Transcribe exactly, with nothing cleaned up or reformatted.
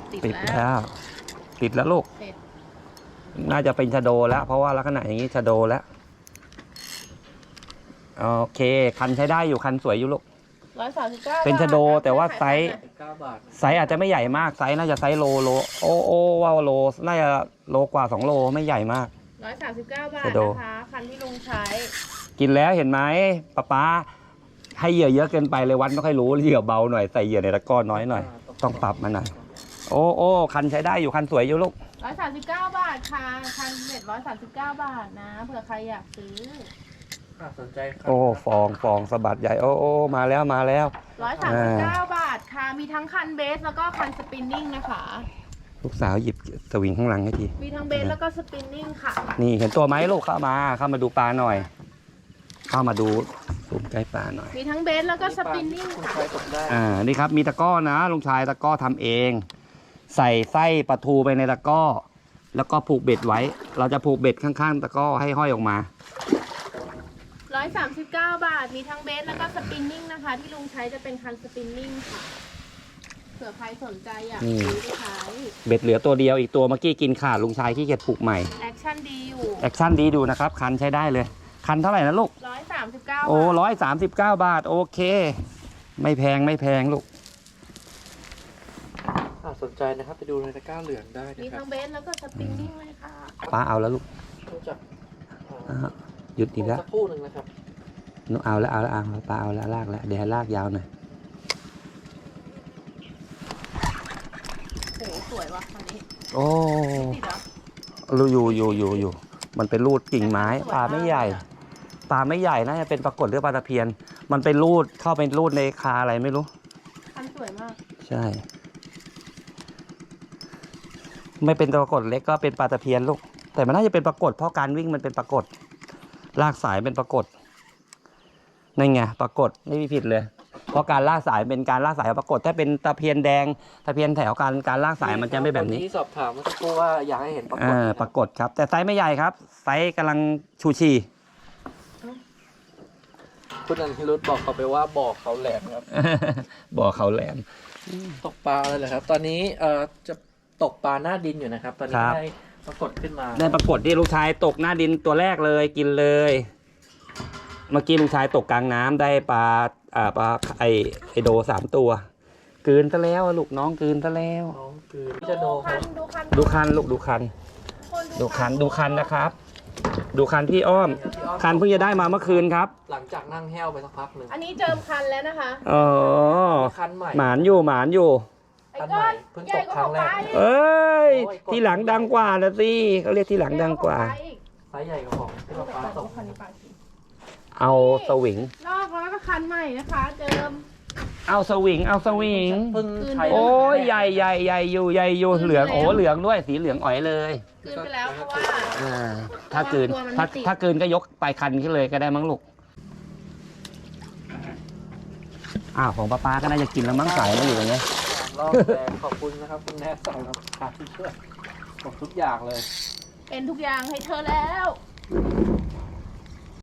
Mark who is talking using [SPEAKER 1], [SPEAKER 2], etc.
[SPEAKER 1] ติดแล้วติดแล้วลูกน่าจะเป็นชะโดแล้วเพราะว่าลักษณะอย่างนี้ชะโดแล้วโอเคคันใช้ได้อยู่คันสวยอยู่ลูก
[SPEAKER 2] ร้อยสามสิบเก้า
[SPEAKER 1] เป็นชะโดแต่ว่าไซส์ไซส์อาจจะไม่ใหญ่มากไซส์น่าจะไซส์โลโลโอ้โอ้ว้าวโลน่าจะโลกว่าสองโลไม่ใหญ่มาก
[SPEAKER 2] ร้อยสามสิบเก้าบาทนะคะคันที่ลุงใช้
[SPEAKER 1] กินแล้วเห็นไหมป๊าป๊าให้เหยื่อเยอะเกินไปเลยวัดไม่ค่อยรู้เหยื่อเบาหน่อยใส่เหยื่อในตะกร้อน้อยหน่อยต้องปรับมาหน่อยโอ้โอ้คันใช้ได้อยู่คันสวยอยู่ลูก
[SPEAKER 2] ร้อยสามสิบเก้าบาทค่ะคันเจ็ดร้อยสามสิบเก้าบาทนะเผื่อใครอยากซื้อ
[SPEAKER 3] สนใจครับ
[SPEAKER 1] โอ้ฟองฟองสะบัดใหญ่โอ้โอ้มาแล้วมาแล้ว
[SPEAKER 2] ร้อยสามสิบเก้าบาทค่ะมีทั้งคันเบสแล้วก็คันสปินนิ่งนะคะ
[SPEAKER 1] ลูกสาวหยิบสวิงข้างหลังให้ที
[SPEAKER 2] มีทั้งเบสแล้วก็สปินนิ่งค่ะ
[SPEAKER 1] นี่เห็นตัวไหมลูกเข้ามาเข้ามาดูปลาหน่อยเข้ามาดูซูมใกล้ปลาหน่อย
[SPEAKER 2] มีทั้งเบสแล้วก็สปินนิ่งค่ะ
[SPEAKER 1] อ่านี่ครับมีตะกร้อนะลุงชายตะกร้อทำเองใส่ไส้ปลาทูไปในตะกร้อแล้วก็ผูกเบ็ดไว้เราจะผูกเบ็ดข้างๆตะกร้อให้ห้อยออกมา
[SPEAKER 2] ร้อยสามสิบเก้าบาทมีทั้งเบสแล้วก็สปินนิ่งนะคะที่ลุงใช้จะเป็นคันสปินนิ่งค่ะเผื่อใครสนใจอยากซื้อไปใช้
[SPEAKER 1] เบ็ดเหลือตัวเดียวอีกตัวเมื่อกี้กินขาดลุงชายขี้เกียจผูกใหม่
[SPEAKER 2] แอคชั่นดีอยู่
[SPEAKER 1] แอคชั่นดีดูนะครับคันใช้ได้เลยคันเท่าไหร่นะลูก
[SPEAKER 2] ร้อยสามสิบเก้า
[SPEAKER 1] โอ้ร้อยสามสิบเก้าบาทโอเคไม่แพงไม่แพงลูก
[SPEAKER 3] สนใจนะครับไปดูในตะกร้าเหลืองได้นะครับ
[SPEAKER 2] มีทั้งเบสแล้วก็สปริงนิ่งเลยค่ะ
[SPEAKER 1] ป้าเอาแล้วลูกหยุดอีกแล้ว
[SPEAKER 3] สักคู่หนึ่งนะครับ
[SPEAKER 1] หนูเอาแล้วเอาแล้วเอาป้าเอาแล้วลากแล้วเดี๋ยวลากยาวหน่อย
[SPEAKER 2] โอ้สวยว่ะคันนี้
[SPEAKER 1] โอ้รูอยู่อยู่อยู่อยู่มันเป็นรูดกิ่งไม้ปลาไม่ใหญ่ปลาไม่ใหญ่น่าจะเป็นปรากฏหรือปลาตะเพียนมันเป็นรูดเข้าเป็นรูดในคาอะไรไม่รู้
[SPEAKER 2] คันสวยมาก
[SPEAKER 1] ใช่ไม่เป็นปรากฏเล็กก็เป็นปลาตะเพียนลูกแต่มันน่าจะเป็นปรากฏเพราะการวิ่งมันเป็นปรากฏลากสายเป็นปรากฏนั่นไงปรากฏไม่มีผิดเลยเพราะการลากสายเป็นการลากสายปรากฏถ้าเป็นตะเพียนแดงตะเพียนแถวการการลากสายมันจะไม่แบบนี้
[SPEAKER 3] ที่สอบถามเมื่อสักครู่ว่าอยากให้เห็นปรากฏ
[SPEAKER 1] ปรากฏครับแต่ไซส์ไม่ใหญ่ครับไซส์กำลังชูชี
[SPEAKER 3] คุณอนิรุธบอกเขาไปว่าบ่อเขาแหลมครับ
[SPEAKER 1] บ่อเขาแหลม
[SPEAKER 3] ตกปลาเลยเหรอครับตอนนี้เอ่อจะตกปลาหน้าดินอยู่นะครับตอนนี้ได้ปรากฏขึ้นมา
[SPEAKER 1] ได้ปรากฏที่ลูกชายตกหน้าดินตัวแรกเลยกินเลยเมื่อกี้ลูกชายตกกลางน้ำได้ปลาอ่าปลาไอไอโดสามตัวกืนซะแล้วลูกน้องกืนซะแล้ว
[SPEAKER 3] น้องกืนจะโดครับ
[SPEAKER 1] ดูคันลูกดูคันดูคันดูคันนะครับดูคันพี่อ้อมคันเพิ่งจะได้มาเมื่อคืนครับ
[SPEAKER 3] หลังจากนั่งแห้วไปสักพักหนึ่ง
[SPEAKER 2] อันนี้เจิมคันแล้วนะคะ
[SPEAKER 1] อ๋อ
[SPEAKER 3] คันใหม่
[SPEAKER 1] หมานอยู่หมานอยู่
[SPEAKER 3] คันใหม่เพิ่งตกครั้งแรก
[SPEAKER 1] เอ้ยที่หลังดังกว่านะสิเขาเรียกที่หลังดังกว่า
[SPEAKER 3] ไซส์ใหญ่กว่าของที่เราปลาตก
[SPEAKER 1] เอาสวิง
[SPEAKER 2] นอกแล้วก็คันใหม่นะคะเจิม
[SPEAKER 1] เอาสวิงเอาสวิงโอ้ยใหญ่ใหญ่ใหญ่อยู่ใหญ่อยู่เหลืองโอ้เหลืองด้วยสีเหลืองอ๋อยเลย
[SPEAKER 2] คืนไปแล้วเพราะว่า
[SPEAKER 1] ถ้าคืนถ้าถ้าคืนก็ยกปลายคันขึ้นเลยก็ได้มั้งลูกอ้าวของป้าป้าก็น่าจะกินแล้วมั้งสายมาอยู่ตรงนี้
[SPEAKER 3] รอบแรกขอบคุณนะครับคุณแม่สำหรับการช่วยบอกทุกอย่างเลย
[SPEAKER 2] เป็นทุกอย่างให้เธอแล้ว